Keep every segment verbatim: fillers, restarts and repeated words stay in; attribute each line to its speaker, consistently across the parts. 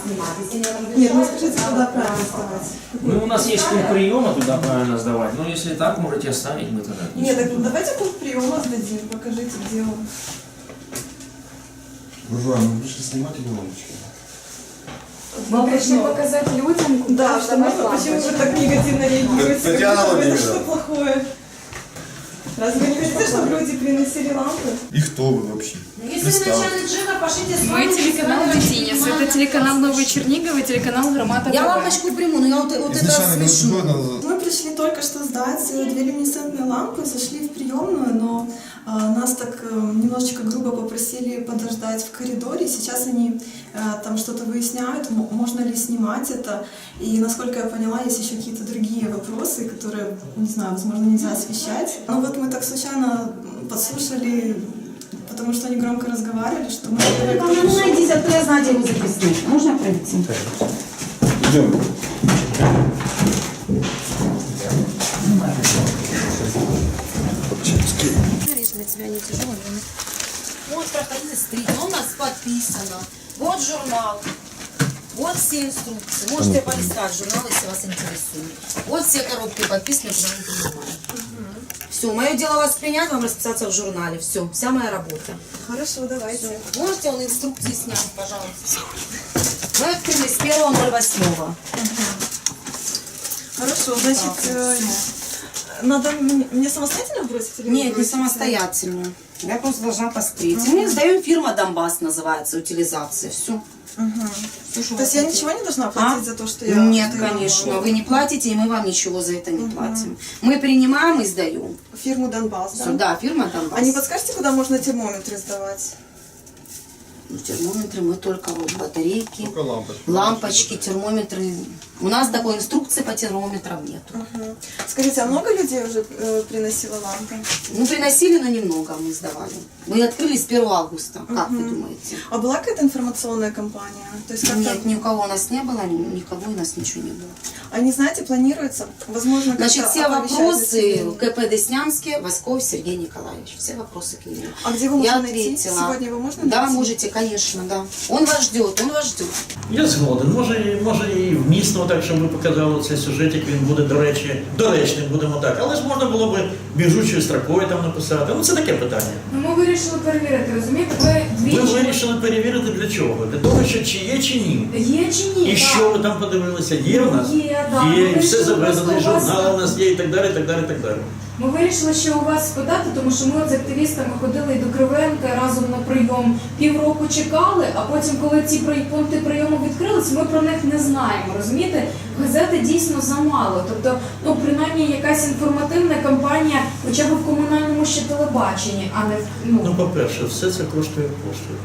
Speaker 1: снимать. Если не
Speaker 2: Нет, ну скажите, куда правильно сдавать?
Speaker 3: Ну, у нас есть пункт приема, туда правильно сдавать. Но если так, можете оставить, мы тогда.
Speaker 2: Нет, так давайте пункт приема сдадим, покажите, где он.
Speaker 4: Буржуа, мы пришли снимать или лампочки?
Speaker 1: Мы пришли показать людям,
Speaker 2: Да, что мы, почему вы так негативно реагируете?
Speaker 4: Татьяна
Speaker 2: Как будто это
Speaker 4: Владимировна.
Speaker 2: что плохое. Разве вы не хотите, чтобы люди приносили лампы?
Speaker 4: И кто вы вообще?
Speaker 5: Если вы начальник ЖЭКа, пошлите с
Speaker 6: Мы телеканал «Детинец». Это телеканал Новый Чернигов и телеканал «Громада».
Speaker 5: Я лампочку приму, но я вот, вот это
Speaker 4: Изначально
Speaker 5: смешу.
Speaker 4: год назад.
Speaker 2: Мы пришли только что сдать две люминесцентные лампы, зашли в приемную, но а, нас так а, немножечко грубо попросили подождать в коридоре. Сейчас они а, там что-то выясняют, м- можно ли снимать это. И, насколько я поняла, есть еще какие-то другие вопросы, которые, не знаю, возможно, нельзя освещать. Ну вот мы так случайно подслушали, потому что они громко разговаривали, что мы...
Speaker 1: Ну, ну, найдите, откуда я знаю, где его записать. Можно пройти?
Speaker 4: Идем.
Speaker 5: Для тебя не тяжело. Вот проходите стрит, у нас подписано. Вот журнал. Вот все инструкции. Можете полистать журнал, если вас интересует. Вот все коробки подписаны, куда мы принимаем. Все, мое дело вас принять, вам расписаться в журнале. Все, вся моя работа.
Speaker 2: Хорошо, давайте.
Speaker 5: Можете он инструкции снять, пожалуйста. Мы открыли с первого ноль восьмого.
Speaker 2: Хорошо, значит, э, надо мне мне самостоятельно бросить или вы
Speaker 5: Нет, не
Speaker 2: бросите?
Speaker 5: самостоятельно. Я просто должна посмотреть. Мы сдаем фирма Донбасс, называется, утилизация. Все.
Speaker 2: То есть я ничего не должна платить за то, что я...
Speaker 5: Нет,
Speaker 2: что я
Speaker 5: конечно.
Speaker 2: могу?
Speaker 5: Вы не платите, и мы вам ничего за это не платим. Мы принимаем и сдаем.
Speaker 2: Фирму Донбасс, да?
Speaker 5: Да, фирма Донбасс.
Speaker 2: А не подскажете, куда можно термометры сдавать?
Speaker 5: Ну, термометры мы только вот батарейки,
Speaker 4: Только лампочки.
Speaker 5: лампочки, термометры. У нас такой инструкции по термометрам нету.
Speaker 2: Мгм. Скажите, а много людей уже э, приносило лампы?
Speaker 5: Ну, приносили, но немного мы сдавали. Мы открыли с первого августа. Как вы думаете?
Speaker 2: А была какая-то информационная кампания? То есть как-то...
Speaker 5: Нет, ни у кого у нас не было, ни- никого у нас ничего не было.
Speaker 2: Они, знаете, планируется, возможно, как-то
Speaker 5: Значит, все
Speaker 2: оповещать
Speaker 5: вопросы
Speaker 2: население.
Speaker 5: КП Деснянске, Восков Сергей Николаевич. Все вопросы к нему.
Speaker 2: А где вы
Speaker 5: Я
Speaker 2: можете найти?
Speaker 5: ответила.
Speaker 2: Сегодня его можно
Speaker 5: Да,
Speaker 2: найти?
Speaker 5: можете, конечно, да. Он вас ждет, он вас ждет.
Speaker 3: Я згоден. Може, може і вмісно так, щоб ви показали цей сюжетик, він буде, до речі, доречним, будемо так. Але ж можна було б біжучою строкою там написати. Ну, це таке питання.
Speaker 6: Ну, ми вирішили перевірити, розумієте? Ви
Speaker 3: Ви
Speaker 6: двічі...
Speaker 3: вирішили перевірити для чого? Для того, що чи є, чи ні.
Speaker 6: Є чи ні?
Speaker 3: І
Speaker 6: Так.
Speaker 3: що ви там подивилися? Є в нас?
Speaker 6: Є, да.
Speaker 3: Є,
Speaker 6: Ми
Speaker 3: і все
Speaker 6: вирішили
Speaker 3: заведено, і
Speaker 6: просто у вас-
Speaker 3: журнал у нас є, і так далі, і так далі, і так далі.
Speaker 6: Ми вирішили ще у вас спитати, тому що ми от з активістами ходили і до Кривенка разом на прийом. Півроку чекали, а потім, коли ці при- пункти прийому відкрились, ми про них не знаємо. Розумієте? Газети дійсно замало. Тобто, ну, принаймні, якась інформативна кампанія, хоча б в комунальному ще телебаченні, а не в
Speaker 3: Ну,
Speaker 6: ну.
Speaker 3: по-перше, все це коштує коштує.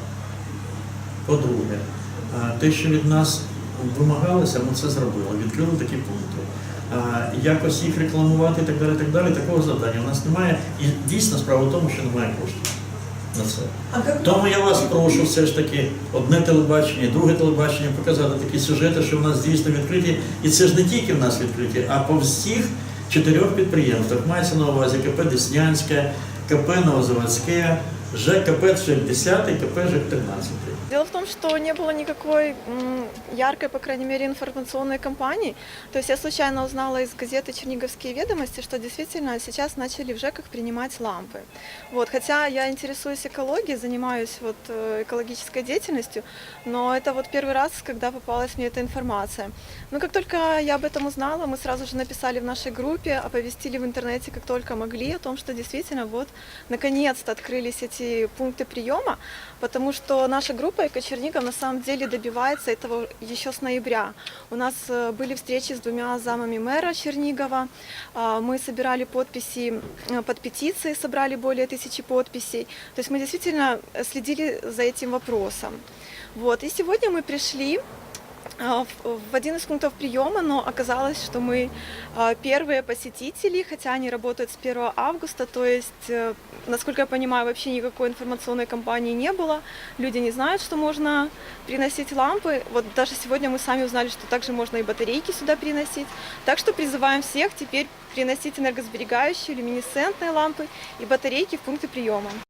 Speaker 3: По-друге, а, те, що від нас вимагалося, ми це зробили, відкрили такі пункти. А, Якось їх рекламувати і так далі, так далі, такого завдання у нас немає. І дійсно справа в тому, що немає коштів на це.
Speaker 2: А как...
Speaker 3: Тому я вас прошу все ж таки одне телебачення, друге телебачення показати такі сюжети, що в нас дійсно відкриті. І це ж не тільки в нас відкриті, а по всіх чотирьох підприємствах. Мається на увазі КП Деснянське, КП Новозаводське, ЖКП шістдесят і КП ЖЕК тринадцять.
Speaker 2: Дело в том, что не было никакой м, яркой, по крайней мере, информационной кампании. То есть я случайно узнала из газеты «Черниговские ведомости», что действительно сейчас начали в ЖЭКах принимать лампы. Вот, хотя я интересуюсь экологией, занимаюсь вот, э, экологической деятельностью, но это вот первый раз, когда попалась мне эта информация. Но как только я об этом узнала, мы сразу же написали в нашей группе, оповестили в интернете, как только могли, о том, что действительно вот наконец-то открылись эти пункты приема, потому что наша группа «Эко-Чернигов» на самом деле добивается этого еще с ноября. У нас э, были встречи с двумя замами мэра Чернигова, а, мы собирали подписи э, под петицией, собрали более тысячи подписей. То есть мы действительно следили за этим вопросом. Вот. И сегодня мы пришли а, в в один из пунктов приема, но оказалось, что мы а, первые посетители, хотя они работают с первого августа, то есть, э, насколько я понимаю, вообще никакой информационной кампании не было. Люди не знают, что можно приносить лампы. Вот даже сегодня мы сами узнали, что также можно и батарейки сюда приносить. Так что призываем всех теперь приносить энергосберегающие, люминесцентные лампы и батарейки в пункты приема.